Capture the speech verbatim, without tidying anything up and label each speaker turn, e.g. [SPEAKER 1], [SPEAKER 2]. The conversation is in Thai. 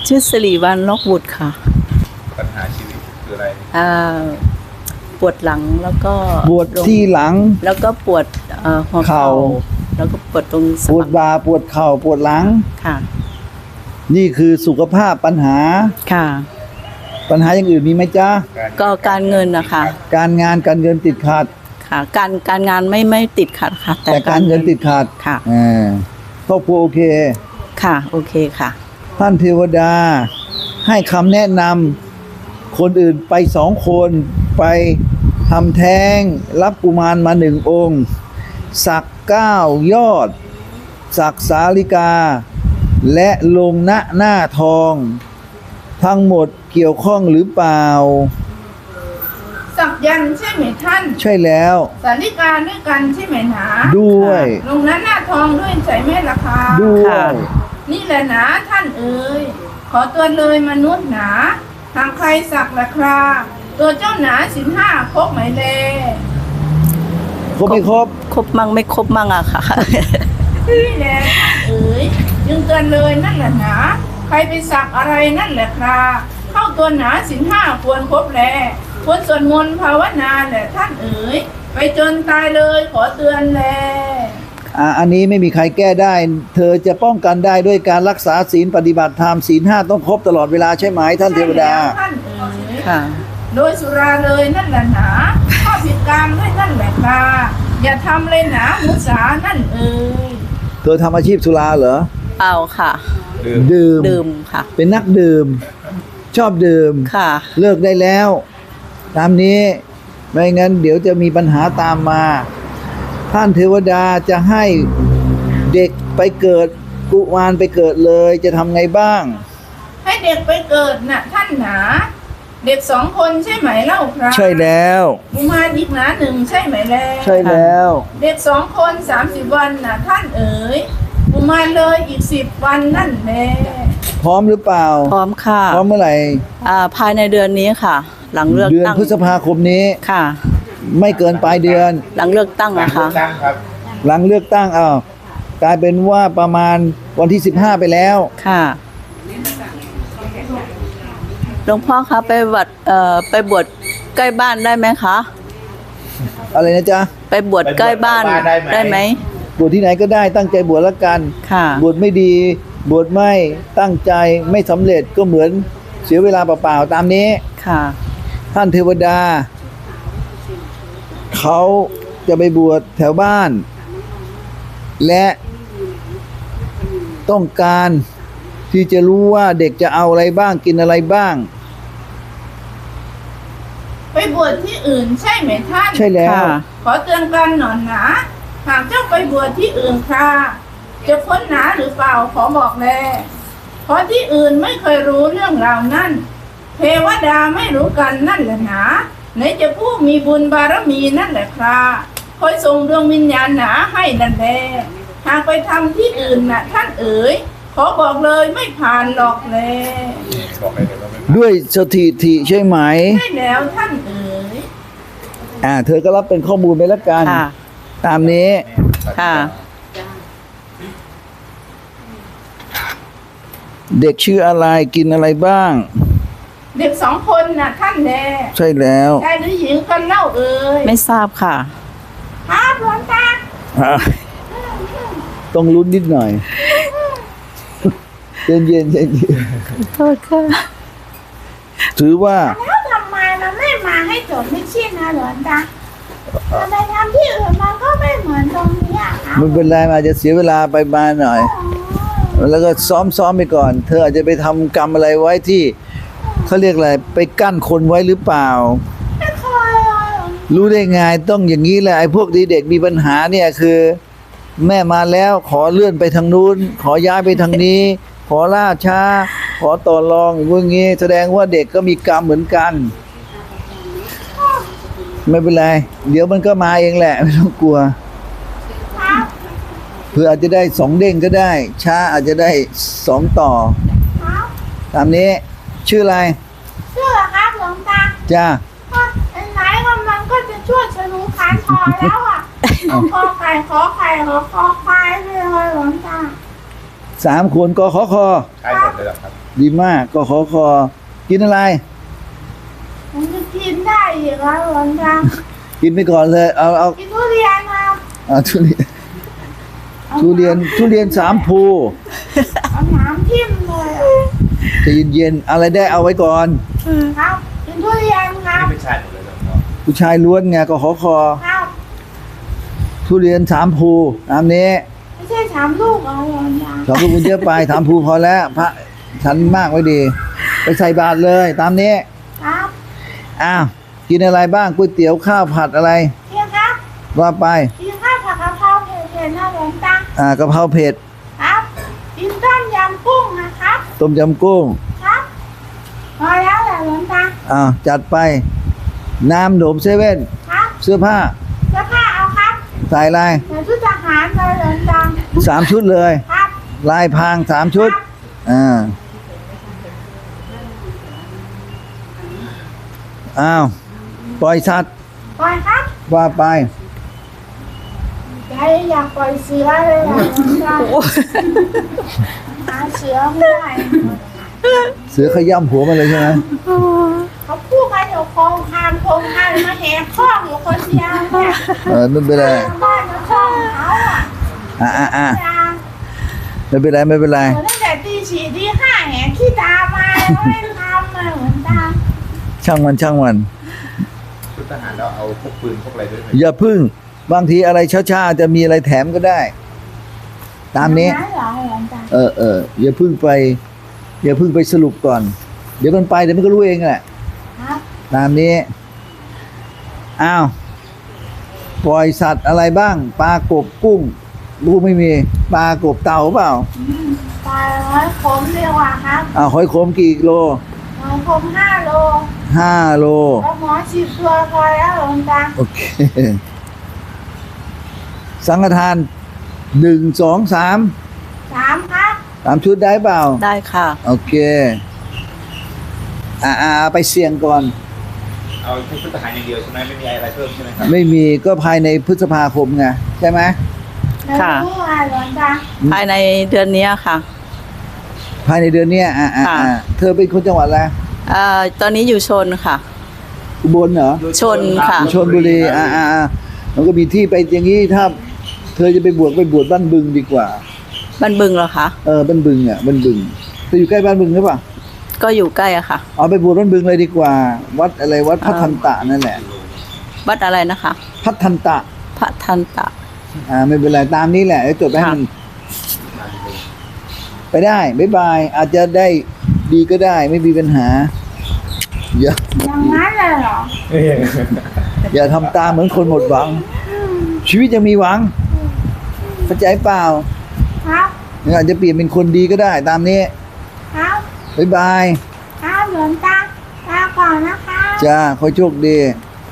[SPEAKER 1] ชื่อสิริวัลย์ล็อกบุตรค่ะ
[SPEAKER 2] ปัญหาชีวิตคืออะไร
[SPEAKER 1] อ่าปวดหลังแล้วก็
[SPEAKER 3] ปวดที่หลัง
[SPEAKER 1] แล้วก็ปวดเอ่อหัวเข่าแล้วก็ปวดตรงสะ
[SPEAKER 3] ปวดบ่าปวดเข่าปวดหลัง
[SPEAKER 1] ค่ะ
[SPEAKER 3] นี่คือสุขภาพปัญหา
[SPEAKER 1] ค่ะ
[SPEAKER 3] ปัญหาอย่างอื่นมีไหมจ๊ะ
[SPEAKER 1] ก็การเงินนะคะ
[SPEAKER 3] การงานการเงินติดขัด
[SPEAKER 1] ค่ะการการงานไม่ไม่ติดขัดค่ะ
[SPEAKER 3] แต่การเงินติดขัด
[SPEAKER 1] ค่ะ
[SPEAKER 3] อ่าครอบครัวโอเค
[SPEAKER 1] ค่ะโอเคค่ะ
[SPEAKER 3] ท่านเทวดาให้คำแนะนำคนอื่นไปสองคนไปทำแท้งรับกุมารมาหนึ่งองค์สักเก้ายอดสักสาลิกาและลงณหน้าทองทั้งหมดเกี่ยวข้องหรือเปล่า
[SPEAKER 4] สักยันใช่ไหมท่าน
[SPEAKER 3] ใช่แล้ว
[SPEAKER 4] สาลิกาด้วยกันใช่ไหมหนา
[SPEAKER 3] ด้วย
[SPEAKER 4] ลงนั้นหน้าทองด้วยใช่ไหมล่ะคะ
[SPEAKER 3] ด้วย
[SPEAKER 4] นี่แหละหนาท่านเอ๋ยขอตัวเลยมนุษย์หนาทางใครสักล่ะครับตัวเจ้าหนาสินห้าครบไหมเล
[SPEAKER 3] ครบไม่ครบ
[SPEAKER 1] ครบมั่งไม่ครบมั่งอะค่ะ
[SPEAKER 4] นี่แหละท่านเอ๋ยยึงเตือนเลยนั่นแหละหนาใครไปสักอะไรนั่นแหละครับเข้าตัวหนาสินห้าควรครบแลควรสวดมนต์ภาวนาแหละท่านเอ๋ยไปจนตายเลยขอเตือนแล
[SPEAKER 3] อ่าอันนี้ไม่มีใครแก้ได้เธอจะป้องกันได้ด้วยการรักษาศีลปฏิบัติธรรมศีลห้าต้องครบตลอดเวลาใช่ไหมท่านเทวดา
[SPEAKER 4] ท่านเอ๋ยค่ะโดยสุราเลยนั่นแหละหนาข้อผิดกรรมด้วยนั่นแหละค่ะอย่าทำเลยหนามุสานั่นเอ๋ย
[SPEAKER 3] เธอทำอาชีพสุราเหรอ
[SPEAKER 1] เอาค่ะ
[SPEAKER 3] ดื่ม
[SPEAKER 1] ดื่มค่ะ
[SPEAKER 3] เป็นนักดื่มชอบดื่ม
[SPEAKER 1] ค่ะ
[SPEAKER 3] เลิกได้แล้วตามนี้ไม่งั้นเดี๋ยวจะมีปัญหาตามมาท่านเทวดาจะให้เด็กไปเกิดกุมารไปเกิดเลยจะทำไงบ้าง
[SPEAKER 4] ให้เด็กไปเกิดน่ะท่านหนาเด็กสองคนใช่ไหมเล่าครับ
[SPEAKER 3] ใช่แล้ว
[SPEAKER 4] กุมารอีกหนาหนึ่งใช่ไหมแล้ว
[SPEAKER 3] ใช่แล้ว
[SPEAKER 4] เด็กสองคนสามสิบวันน่ะท่านเอ๋ยกุมารเลยอีกสิบวันนั่นแหละ
[SPEAKER 3] พร้อมหรือเปล่า
[SPEAKER 1] พร้อมค่ะ
[SPEAKER 3] พร้อมเมื่อไหร่
[SPEAKER 1] อ่าภายในเดือนนี้ค่ะหลังเลือกตั้ง
[SPEAKER 3] เดือนพฤษภาคมนี้
[SPEAKER 1] ค่ะ
[SPEAKER 3] ไม่เกินปลายเดือน
[SPEAKER 1] หลังเลือกตั้งนะคะ
[SPEAKER 3] หลังเลือกตั้งอ้าวกลายเป็นว่าประมาณวันที่สิบห้าไปแล้ว
[SPEAKER 1] ค่ะหลวงพ่อคะไปบวชเอ่อไปบวชใกล้บ้านได้ไหมคะ
[SPEAKER 3] อะไรนะจ๊ะ
[SPEAKER 1] ไปบวชใกล้บ้านได้ไหม
[SPEAKER 3] บวชที่ไหนก็ได้ตั้งใจบวชละกัน
[SPEAKER 1] ค่ะ
[SPEAKER 3] บวชไม่ดีบวชไม่ตั้งใจไม่สำเร็จก็เหมือนเสียเวลาเปล่าๆตามนี้
[SPEAKER 1] ค่ะ
[SPEAKER 3] ท่านเทวดาเขาจะไปบวชแถวบ้านและต้องการที่จะรู้ว่าเด็กจะเอาอะไรบ้างกินอะไรบ้าง
[SPEAKER 4] ไปบวชที่อื่นใช่ไหมท่าน
[SPEAKER 3] ใช่แล้ว
[SPEAKER 4] ขอเตือนกันหน่อยนะหากเจ้าไปบวชที่อื่นค่ะจะพ้นหนาหรือเปล่าขอบอกแลเพราะที่อื่นไม่เคยรู้เรื่องราวนั่นเทวดาไม่รู้กันนั่นแหละหนาไหนจะผู้มีบุญบารมีนั่นแหละครับคอยส่งดวงวิญญาณหนาให้นั่นแหละหากไปทำที่อื่นน่ะท่านเอ๋ยขอบอกเลยไม่ผ่านหรอกเลย
[SPEAKER 3] ด้วยสถิติใช่ไหม
[SPEAKER 4] ใช่แล้วท่านเอ๋ย
[SPEAKER 3] อ่าเธอก็รับเป็นข้อมูลไปแล้วกันตามนี้
[SPEAKER 1] ค่ะ
[SPEAKER 3] เด็กชื่ออะไรกินอะไรบ้าง
[SPEAKER 4] เด็กสองคนน่ะท่านแน่
[SPEAKER 3] ใช่แล้ว
[SPEAKER 4] ชายหรือหญิงกันเล่าเอ่ย
[SPEAKER 1] ไม่ทราบค่ะ
[SPEAKER 4] ครับหลวงตา
[SPEAKER 3] ต้องลุ้นนิดหน่อยเย็นเย็นเย็น
[SPEAKER 1] โทษค่ะ
[SPEAKER 3] ถือว่า
[SPEAKER 4] แล้วทำไมมันไม่มาให้จดไม่ชินนะหลวงตาจะไปทำที่อื่นมันก็ไม่เหมือนตรงนี้อ่ะ
[SPEAKER 3] มันเป็นไรอาจจะเสียเวลาไปมาหน่อยแล้วก็ซ้อมซ้อมไปก่อนเธออาจจะไปทำกรรมอะไรไว้ที่เขาเรียกอะไรไปกั้นคนไว้หรือเปล่า
[SPEAKER 4] ไม่เคย
[SPEAKER 3] รู้ได้ไงต้องอย่างนี้แหละไอ้พวกดีเด็กมีปัญหาเนี่ยคือแม่มาแล้วขอเลื่อนไปทางนู้นขอย้ายไปทางนี้ขอล่าช้าขอต่อรองอย่างงี้แสดงว่าเด็กก็มีกรรมเหมือนกันไม่เป็นไรเดี๋ยวมันก็มาเองแหละไม่ต้องกลัวเพื่ออาจจะได้สองเด้งก็ได้ช้าอาจจะได้สองต่อตามนี้ชื่ออะไร
[SPEAKER 4] ชื่ออะไรครับหลวงตา
[SPEAKER 3] จ้า
[SPEAKER 4] ไหนว่ามันก็จะช่วยสรุปการพอแล้วอ่ะขอไข่ขอไข่ขอคอควายเลยหลวงตา
[SPEAKER 3] สามคนก็ขอคอ
[SPEAKER 2] ใช่หมดเลยเหรอครับ
[SPEAKER 3] ดีมากก็ขอคอกินอะไร
[SPEAKER 4] มันจะกินได้อีกแล้วหลวงตา
[SPEAKER 3] กินไปก่อนเลยเอาเอา
[SPEAKER 4] กินทุเรียนครับ
[SPEAKER 3] เอาทุเรียนทุเรียนทุเรียนสามภู
[SPEAKER 4] เอาน้ำทิ่มเลยอะ
[SPEAKER 3] ใจะเย็นๆอะไรได้เอาไว้ก่อน
[SPEAKER 4] ครับกินทุเรียนครั
[SPEAKER 2] นี่
[SPEAKER 4] บ
[SPEAKER 2] เป็นชายหมดเลยเหรอครับ
[SPEAKER 3] ผู้ชายล้วนไงก็ขอคอ
[SPEAKER 4] ครับ
[SPEAKER 3] ทุเรียนสามภูตามนี้
[SPEAKER 4] ไม่ใช่สามลูกเอาหลวงตา
[SPEAKER 3] สองภูคุณเยอะไปสามภูพอแล้ว พระฉันมากไว้ดี ไปใส่บาตรเลยตามนี้
[SPEAKER 4] ครับ
[SPEAKER 3] อ้าวกินอะไรบ้างก๋วยเตี๋ยวข้าวผัดอะไร
[SPEAKER 4] เพียงครับ
[SPEAKER 3] ว่าไป
[SPEAKER 4] กินข้าวผัดกะเพราเผ็ดๆนะหลวงตา
[SPEAKER 3] อ่ากะเพราเผ็ด
[SPEAKER 4] ครับกินต้มยำกุ้งนะครับ
[SPEAKER 3] ต้มยำกุ้ง
[SPEAKER 4] ครับพอแล้วแหละหลวงตา
[SPEAKER 3] อ้าวจัดไป น้ำหนมเซเว่น
[SPEAKER 4] ครับ
[SPEAKER 3] เสื้อผ้า
[SPEAKER 4] เสื้อผ้าเอาครับ
[SPEAKER 3] ใส่ลาย
[SPEAKER 4] ใส่ชุดทหารเลยหลวงตา
[SPEAKER 3] สามชุดเลย
[SPEAKER 4] ครับ
[SPEAKER 3] ลายพรางสามชุด อ่า อ้าว ปล่อยสัตว์
[SPEAKER 4] ปล่อยครับ
[SPEAKER 3] ว่าไป
[SPEAKER 4] ใจอยากปล่อยเสือเลยแหละหลวงตาหาเสือไม่ได้
[SPEAKER 3] เสือขย่ำหัวมันเลยใช่ไหม
[SPEAKER 4] เขาพูดกันอยู่โครงคามโครงคามมาแหกข้องอยู่คนเดียวเนี่ย
[SPEAKER 3] เออไม่เป็นไร
[SPEAKER 4] บ้านมาข้องเขาอ่ะ
[SPEAKER 3] อ่าอ่าอ่า
[SPEAKER 4] อย่า
[SPEAKER 3] ไม่เป็นไรไม่เป็นไร
[SPEAKER 4] เหมือนตั้งแต่ตีสี่ตีห้าแหกขี้ตามาแล้วไม่ทำมาเหมือนตา
[SPEAKER 3] ช่างมันช่างมัน
[SPEAKER 2] ชุดทหารเราเอาพวกปืนพวกอะไรด้วยไหม
[SPEAKER 3] อย่าพึ่ง บางทีอะไรช้าๆจะมีอะไรแถมก็ได้ ตามนี้
[SPEAKER 4] อย่างเหรอหลวงตา
[SPEAKER 3] เออเอออย่าพึ่งไป อย่าพึ่งไปสรุปก่อน เดี๋ยวมันไปเดี๋ยวมันก็รู้เองแหละ
[SPEAKER 4] ครับ
[SPEAKER 3] ตามนี้ อ้าว ปล่อยสัตว์อะไรบ้าง ปลากบกุ้ง ลูกไม่มี ปลากบเต่าเปล่า
[SPEAKER 4] ปลาร้อยขมเรียกว่าครับ
[SPEAKER 3] อ้าวหอยโขมกี่โล
[SPEAKER 4] ร้อยขมห้าโล
[SPEAKER 3] ห้าโล
[SPEAKER 4] แล้วหมอฉีดตัวพอแล้วหลวงตา
[SPEAKER 3] โอเค สังฆทานหนึ่งสองสาม
[SPEAKER 4] สามครับ
[SPEAKER 3] สามชุดได้เปล่า
[SPEAKER 1] ได้ค่ะ
[SPEAKER 3] โอเค อ่าอ่าไปเสี่ยงก่อน
[SPEAKER 2] เอาแค่ชุดทหารอย่างเดียวใช่ไหมไม่มีอะไรเพิ่มใช่ไหมครับ
[SPEAKER 3] ไม่มีก็ภายในพฤษภาคมไงใช่ไหม
[SPEAKER 4] แล้ว
[SPEAKER 1] ค่ะ
[SPEAKER 4] รู้ว่าหลวงตา
[SPEAKER 1] ภายในเดือนนี้ค่ะ
[SPEAKER 3] ภายในเดือนเนี้ยอ่าอ่า
[SPEAKER 1] ค่ะ
[SPEAKER 3] อ่าเธอเป็นคนจังหวัดอะไร
[SPEAKER 1] เอ่อตอนนี้อยู่ชนค่ะ
[SPEAKER 3] อุบลเหรอ
[SPEAKER 1] ชนค่ะ
[SPEAKER 3] ชนบุรีอ่าอ่าอ่ามันก็มีที่ไปอย่างนี้ถ้า เธอจะไปบวชไปบวชบ้านบึงดีกว่า
[SPEAKER 1] บ้านบึงเหรอคะ
[SPEAKER 3] เออบ้านบึงอ่ะบ้านบึงเธออยู่ใกล้บ้านบึงหรือเปล่า
[SPEAKER 1] ก็อยู่ใกล้อะค่ะ
[SPEAKER 3] เอาไปบวชบ้านบึงเลยดีกว่า วัดอะไรวัดพัฒนตะนั่นแหละ
[SPEAKER 1] วัดอะไรนะคะ
[SPEAKER 3] พัฒนตะ
[SPEAKER 1] พระทันตะ
[SPEAKER 3] อ่าไม่เป็นไรตามนี้แหละเดี๋ยวจดไปให้
[SPEAKER 1] ค่ะ
[SPEAKER 3] มันไปได้บ๊ายบายอาจจะได้ดีก็ได้ไม่มีปัญหาอย่า
[SPEAKER 4] อย่างนั้นเลยเหรอ
[SPEAKER 3] อย่าทำตามเหมือนคนหมดหวัง ชีวิตยังมีหวังเข้าใจเปล่า
[SPEAKER 4] ครับ
[SPEAKER 3] อาจจะเปลี่ยนเป็นคนดีก็ได้ ตามนี้
[SPEAKER 4] ครับ
[SPEAKER 3] บ๊ายบาย
[SPEAKER 4] ครับหลวงตาลาก่อนนะคะ
[SPEAKER 3] จ้าขอโชคดี
[SPEAKER 4] ค